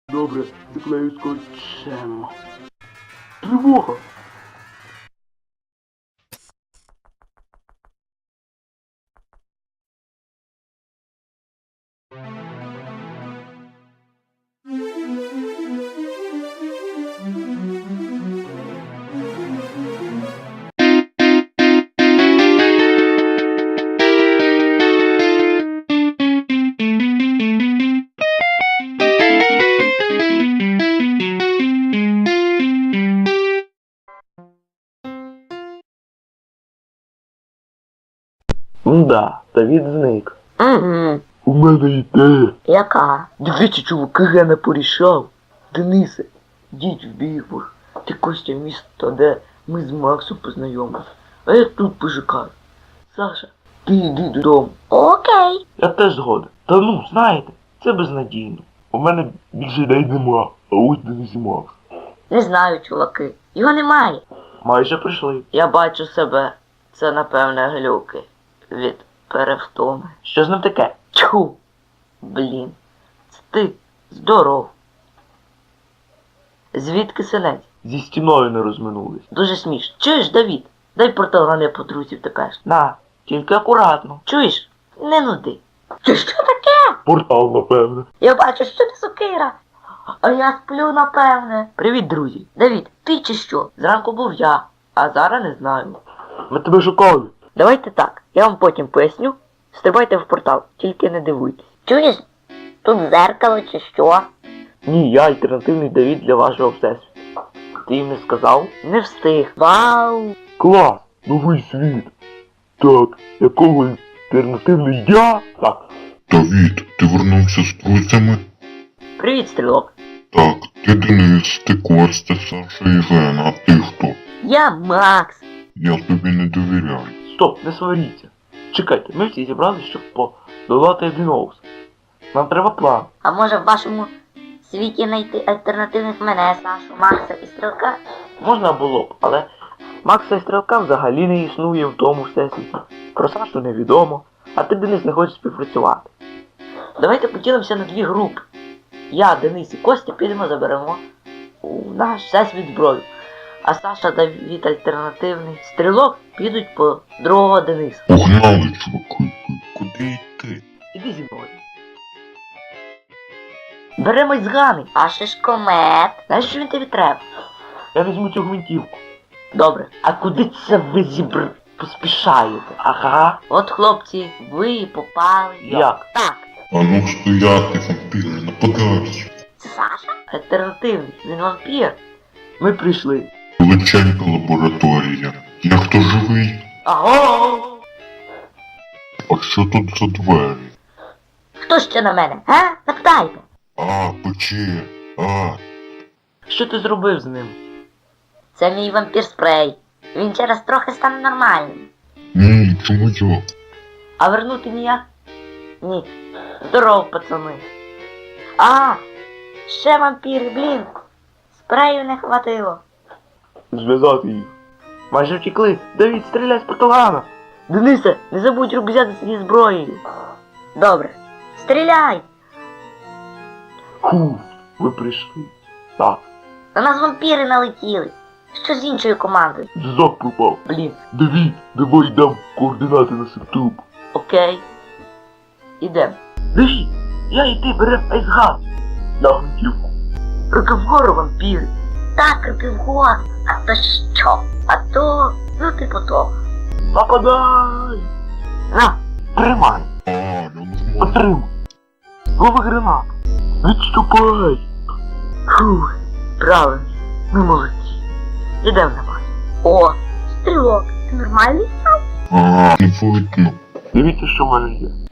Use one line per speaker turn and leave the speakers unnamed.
Добре, заклею скотчем. Тривога! Да, Давід зник.
Угу.
У мене ідея.
Яка?
Дивіться, чуваки, я не порішав. Денисе, йдіть в Бігбург. Ти Костя місто, де ми з Максом познайомились. А я тут пожикаю. Саша, ти йди додому.
Окей.
Я теж згоден. Та ну, знаєте, це безнадійно. У мене більше ідей нема, а ось Денис і Макс.
Не знаю, чуваки. Його немає.
Майже прийшли.
Я бачу себе. Це, напевне, глюки. Від перевтоми.
Що з ним таке?
Тьху! Блін. Це ти. Здоров. Звідки селець?
Зі стіною не розминулись.
Дуже смішно. Чуєш, Давід? Дай порталгани по друзів тепер.
На, тільки акуратно.
Чуєш? Не нуди. Це що таке?
Портал, напевне.
Я бачу, що ти сокира. А я сплю, напевне. Привіт, друзі. Давід, ти чи що? Зранку був я, а зараз не знаю.
Ми тебе шукали.
Давайте так, я вам потім поясню. Стрибайте в портал, тільки не дивуйтесь. Чуєш? Тут зеркало чи що?
Ні, я альтернативний Давід для вашого всесвіту. Ти їм не сказав?
Не встиг. Вау!
Клас! Новий світ! Так, якого альтернативний я? Так.
Давід, ти вернувся з друзями?
Привіт, стрілок.
Так, ти Денис, ти Костя, Саша і Жена, а ти хто?
Я Макс.
Я тобі не довіряю.
Стоп, не сваріться. Чекайте, ми всі зібралися, щоб подолати Единоус. Нам треба план.
А може в вашому світі знайти альтернативних мене, Сашу, Макса і Стрілка?
Можна було б, але Макса і Стрілка взагалі не існує в тому всесвіті. Про Сашу невідомо, а ти, Денис, не хочеш співпрацювати. Давайте поділимося на дві групи. Я, Денис і Костя підемо заберемо у наш всесвіт зброю. А Саша, Давід альтернативний Стрілок підуть по другого Дениса.
Погнали, чуваки, куди йти?
Іди зі мною.
Беремось з Гани. А шишкомет? Знаєш, що він тобі треба?
Я візьму цю гвинтівку.
Добре.
А куди це ви поспішаєте? Ага.
От, хлопці, ви попали.
Як?
Так.
А ну стояти, вампіри, нападають.
Це Саша? Альтернативний. Він вампір.
Ми прийшли.
Величенька лабораторія. Я хто живий?
Аго!
А що тут за двері?
Хто ще на мене? Га? Запитайте.
А, печі. А,
Що ти зробив з ним?
Це мій вампір спрей. Він через трохи стане нормальним.
ні, чому я?
А вернути ніяк? Ні. Здоров, пацани. А, ще вампіри, блін. Спрею не хватило.
Зв'язати їх. Майже втекли. Давід, стріляй з порталгана.
Денисе, не забудь рюкзак зі зброєю. Добре. Стріляй!
Фу, ви прийшли. Так,
На нас вампіри налетіли. Що з іншою командою?
зв'язок пропав.
Блін,
Давід, давай дам координати на септуп.
окей. Ідем.
Давід, я і ти берем айсгаз. На гвинтівку.
Руки вгору, вампіри. Так, руки вгору. А то що? А то, ну типу того.
Нападай! На, тримай.
А, я не можу.
Отримай. Лови гранат. Відступай.
Фух, правильно. Ми молодці. Ідем на вас. О, стрілок, ти нормальний?
А, не видно.
Дивіться, що в мене є.